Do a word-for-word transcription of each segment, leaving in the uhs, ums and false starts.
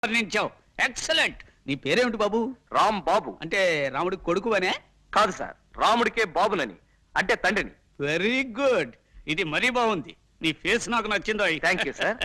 వర్ణించావు. Excellent. నీ పేరేమిటి బాబు? రామ్ బాబు. అంటే రాముడికి కొడుకు అనే? కాదు సార్, రాముడికే బాబునని, అంటే తండ్రిని. Very good. ఇది మరీ బాగుంది. నీ ఫేస్ నాకు నచ్చిందో. Thank you sir.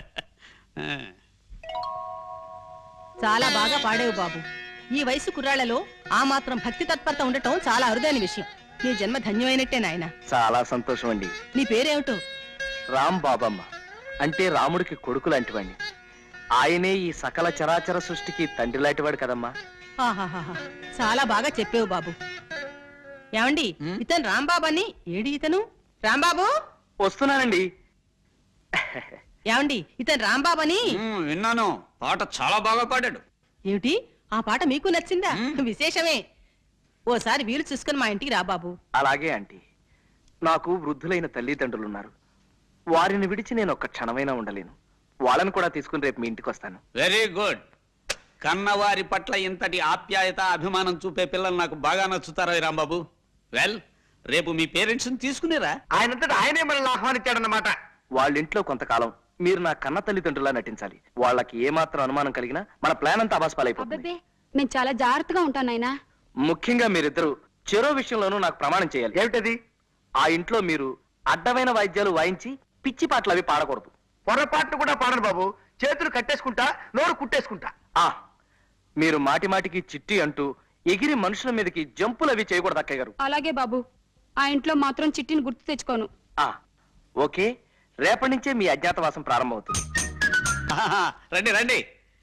చాలా బాగా పాడేవు బాబు. ఈ వయసు కుర్రాళ్లలో ఆ మాత్రం భక్తి తత్పరత ఉండటం చాలా అరుదైన విషయం. నీ జన్మ ధన్యమైనట్టే నాయన. చాలా సంతోషం అండి. నీ పేరేమిటో? రామ్ బాబమ్మ, అంటే రాముడికి కొడుకు లాంటివాడిని. ఆయనే ఈ సకల చరాచర సృష్టికి తండ్రి లాంటివాడు కదమ్మా. ఆహాహా, చాలా బాగా చెప్పేవు బాబు. ఏమండి, ఇతను రాంబాబు అని. ఏడి ఇతను? రాంబాబు వస్తున్నానండి. ఏమండి, ఇతను రాంబాబు అని. విన్నాను. పాట చాలా బాగా పాడాడు. ఏమిటి, ఆ పాట మీకు నచ్చిందా? విశేషమే. ఓసారి వీలు చూసుకుని మా ఇంటికి రా బాబు. అలాగే ఆంటీ. నాకు వృద్ధులైన తల్లిదండ్రులున్నారు. వారిని విడిచి నేను ఒక్క క్షణమైనా ఉండలేను. వాళ్ళని కూడా తీసుకుని రేపు మీ ఇంటికి వస్తాను. Very good. కన్నవారి పట్ల ఇంతటి ఆప్యాయత అభిమానం చూపే పిల్లలు నాకు బాగా నచ్చుతారా రాంబాబు? వెల్, రేపు మీ పేరెంట్స్ తీసుకునేరా? ఆయనంతటా ఆయనే మనల్ని ఆహ్వానించాడన్నమాట. వాళ్ళ ఇంట్లో కొంతకాలం మీరు నా కన్న తల్లిదండ్రులా నటించాలి. వాళ్ళకి ఏమాత్రం అనుమానం కలిగినా మన ప్లాన్ అంతా అబాస్పాలైపోతుంది. నేను చాలా జాగ్రత్తగా ఉంటాను నాయనా. ముఖ్యంగా మీరిద్దరు చెరో విషయంలోనూ నాకు ప్రమాణం చేయాలి. ఏమిటది? ఆ ఇంట్లో మీరు అడ్డమైన వాయిద్యాలు వాయించి పిచ్చి పాటలు అవి పాడకూడదు. పొరపాట్లు కూడా పాడను బాబు. చేతులు కట్టేసుకుంటా, నోరు కుట్టేసుకుంటా. ఆ మీరు మాటి మాటికి చిట్టి అంటూ ఎగిరి మనుషుల మీదకి జంపులు అవి చేయకూడదు అక్కయ్య గారు. అలాగే బాబు. ఆ ఇంట్లో మాత్రం చిట్టిని గుర్తు తెచ్చుకోను. ఆ ఓకే, రేపటి నుంచే మీ అజ్ఞాతవాసం ప్రారంభమవుతుంది. ఆహా, రండి రండి.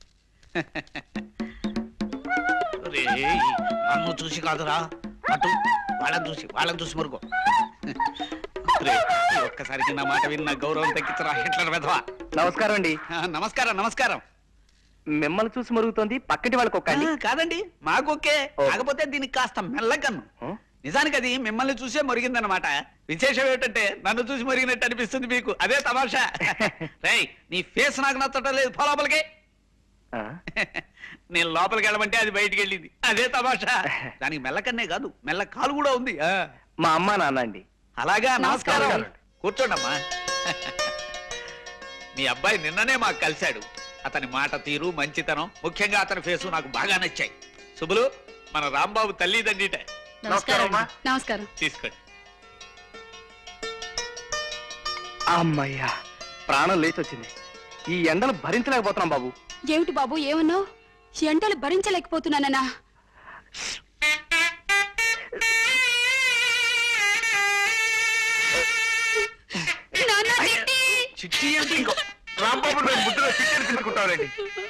రేయ్, నన్ను చూసి కాదురా, అటు వాళ్ళని చూసి వాళ్ళని చూసి మురుగు. ఒక్కసారికి నా మాట విన్న గౌరవం తగ్గించరా హిట్లర్ వెధవా. నమస్కారం అండి. నమస్కారం నమస్కారం. మిమ్మల్ని చూసి మరుగుతోంది, పక్కటి వాళ్ళకి ఒక్కండి. కాదండి, మాకొకే. కాకపోతే దీనికి కాస్త మెల్లకన్ను. నిజానికి అది మిమ్మల్ని చూసే మరిగిందనమాట. విశేషం ఏంటంటే నన్ను చూసి మరిగినట్టు అనిపిస్తుంది మీకు. అదే తమాషా. రేయ్, నీ ఫేస్ నాకు నచ్చటం లేదు. పో లోపలికి. నేను లోపలికి వెళ్ళమంటే అది బయటికి వెళ్ళింది. అదే తమాషా. దానికి మెల్లకన్నే కాదు, మెల్ల కాలు కూడా ఉంది. మా అమ్మ నాన్న అండి. అలాగా, నమస్కారం. కూర్చోండమ్మా. మీ అబ్బాయి నిన్ననే మాకు కలిశాడు. అతని మాట తీరు, మంచితనం, ముఖ్యంగా అతని ఫేసు నాకు బాగా నచ్చాయి. శుభులు, మన రాంబాబు తల్లిదండ్రిట. నమస్కారం. తీసుకోండి. అమ్మయ్యా, ప్రాణం లేచి వచ్చింది. ఈ ఎండలు భరించలేకపోతున్నాం బాబు. ఏమిటి బాబు, ఏమన్నావు? ఎండలు భరించలేకపోతున్నానన్నా? చిట్టి అంటే ఇంకో రాంబాబు ముద్దులో చిట్టెలు తీసుకుంటానండి.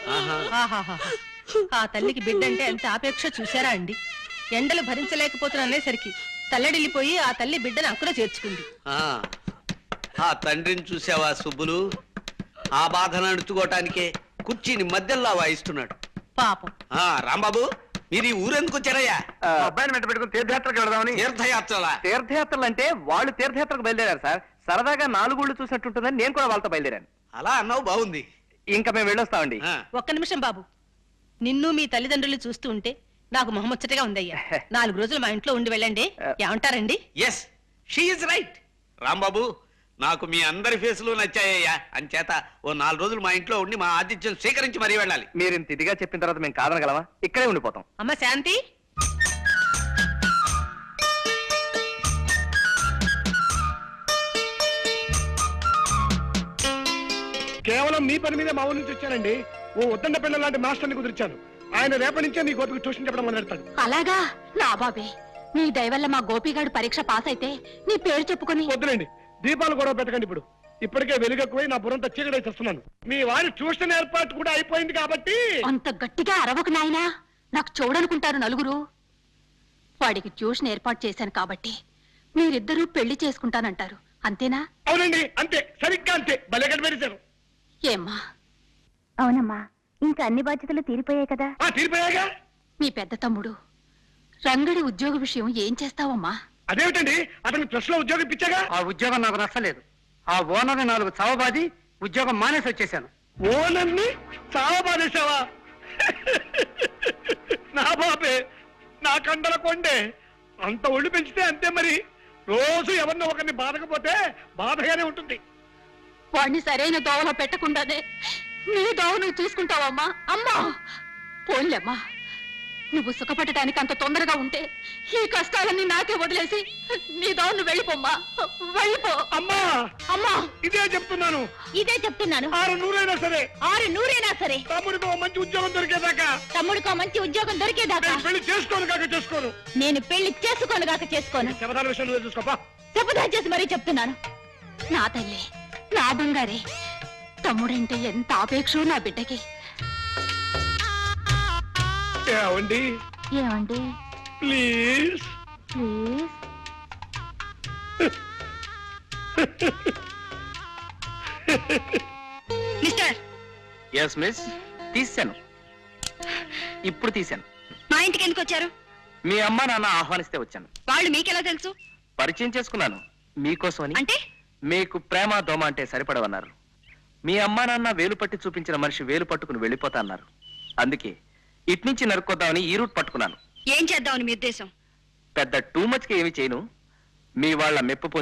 ఆ తల్లికి బిడ్డంటే ఎంత ఆపేక్ష చూశారా అండి. ఎండలు భరించలేకపోతున్నానేసరికి తల్లడిల్లిపోయి ఆ తల్లి బిడ్డను అక్కడ చేర్చుకుంది. ఆ తండ్రిని చూసావా సుబ్బులు? ఆ బాధను అణుచుకోవటానికే కుర్చీని మధ్యలో వాయిస్తున్నాడు పాపం. ఆ రాంబాబు, మీరు ఈ ఊరెందుకు వచ్చారయ్యా? అబ్బాయిని వెంట పెట్టుకుని తీర్థయాత్రకు వెళదామని. తీర్థయాత్రలా? తీర్థయాత్రలు అంటే వాళ్ళు తీర్థయాత్రకు బయలుదేరారు సార్. సరదాగా నాలుగుళ్ళు చూసినట్టుంటుందని నేను కూడా వాళ్ళతో బయలుదేరాను. అలా అన్నావు, బాగుంది. ఇంకా మేము వెళ్ళొస్తామండి. ఒక్క నిమిషం బాబు. నిన్ను మీ తల్లిదండ్రులు చూస్తూ ఉంటే నాకు మొహముచ్చటగా ఉందయ్యా. నాలుగు రోజులు మా ఇంట్లో ఉండి వెళ్ళండి. ఏమంటారండి? Yes, she is right. Rambabu, నాకు మీ అందరి ఫేసులు నచ్చాయ్యా. అంచేత ఓ నాలుగు రోజులు మా ఇంట్లో ఉండి మా ఆతిథ్యం స్వీకరించి మరీ వెళ్ళాలి. మీరు ఇంత ఇదిగా చెప్పిన తర్వాత మేము కాదనగలమా? ఇక్కడే ఉండిపోతాం. అమ్మ శాంతి, కేవలం మీ పని మీద మా ఊరి నుంచి వచ్చానండి. ఓ ఉద్దండ పిల్లల లాంటి మాస్టర్ని కుదిర్చాను. ఆయన రేపటి నుంచే మీ గోపికి ట్యూషన్ చెప్పడం మొదలెడతాడు. అలాగా? నా బాబే, నీ దయ వల్ల మా గోపిగాడు పరీక్ష పాస్ అయితే నీ పేరు చెప్పుకొని. వద్దులేండి, దీపాలు కూడా పెట్టకండి. ఇప్పుడు ఇప్పటికే వెలుగెక్కువై నా బుర్రంతా చీకటి చేస్తున్నాను. మీ వారి ట్యూషన్ ఏర్పాటు కూడా అయిపోయింది కాబట్టి. అంత గట్టిగా అరవకు నాయనా, నాకు చూడనుకుంటారు నలుగురు. వాడికి ట్యూషన్ ఏర్పాటు చేశాను కాబట్టి మీరిద్దరూ పెళ్లి చేసుకుంటానంటారు, అంతేనా? అవునండి, అంతే, సరిగ్గా అంతే. భలే కనిపెట్టారు. ఏమ్మా? అవునమ్మా, ఇంకా అన్ని బాధ్యతలు తీరిపోయాయి కదా. ఆ తీరిపోయాగా. మీ పెద్ద తమ్ముడు రంగడి ఉద్యోగ విషయం ఏం చేస్తావమ్మా? అదేమిటండి, అతనికి ప్రెస్ లో ఉద్యోగం ఇప్పించాగా. ఆ ఉద్యోగం నాకు నచ్చలేదు. ఆ ఓనర్ నాలుగు చవబాది ఉద్యోగం మానేసి వచ్చేసాను. ఓనర్ని చాలా బాధేశావా? నా బాబే, నా కండల కొండే. అంత ఒళ్ళు పెంచితే అంతే మరి. రోజు ఎవరినో ఒకరిని బాధకపోతే బాధగానే ఉంటుంది. వాడిని సరైన దోవలో పెట్టకుండానే నీ దావు నువ్వు చూసుకుంటావమ్మా అమ్మా పోన్లేమ్మా నువ్వు సుఖపడటానికి అంత తొందరగా ఉంటే ఈ కష్టాలన్నీ నాకే వదిలేసి నీ దావు నువ్వు వెళ్ళిపోమ్మా వెళ్ళిపో అమ్మా అమ్మా ఇదే చెప్తున్నాను. ఇదే చెప్తున్నాను. ఆరు నూరైనా సరే ఆరు నూరైనా సరే తమ్ముడికి ఓ మంచి ఉద్యోగం దొరికేదాకా తమ్ముడికో మంచి ఉద్యోగం దొరికేదాకా నేను పెళ్లి చేసుకోను కాక చేసుకోను. నేను పెళ్లి చేసుకోను గాక చేసుకోను. శబదాల విషయం నువ్వే చూసుకోపా. శపథం చేసి మరీ చెప్తున్నాను. నా తల్లి నా బంగారే తమ్ముడంటే ఎంత ఆపేక్షో నా బిడ్డకి ఏమండి ఏమండి ప్లీజ్ ప్లీజ్ మిస్టర్ ఎస్ మిస్ తీశాను, ఇప్పుడు తీశాను. మా ఇంటికి ఎందుకు వచ్చారు? మీ అమ్మ నాన్న ఆహ్వానిస్తే వచ్చాను. వాళ్ళు మీకెలా తెలుసు? పరిచయం చేసుకున్నాను మీకోసమని. అంటే మీకు ప్రేమ దోమ అంటే సరిపడవన్నారు. మీ అమ్మా నాన్న వేలు పట్టి చూపించిన మనిషి వేలు పట్టుకుని వెళ్ళిపోతా అన్నారు. అందుకే ఇట్నుంచి నరుక్కొద్దామని ఈ రూట్ పట్టుకున్నాను. ఏం చేద్దామని మీ ఉద్దేశం? పెద్ద టూ మచ్ కి ఏమి చేయను, మీ వాళ్ళ మెప్పు పొంది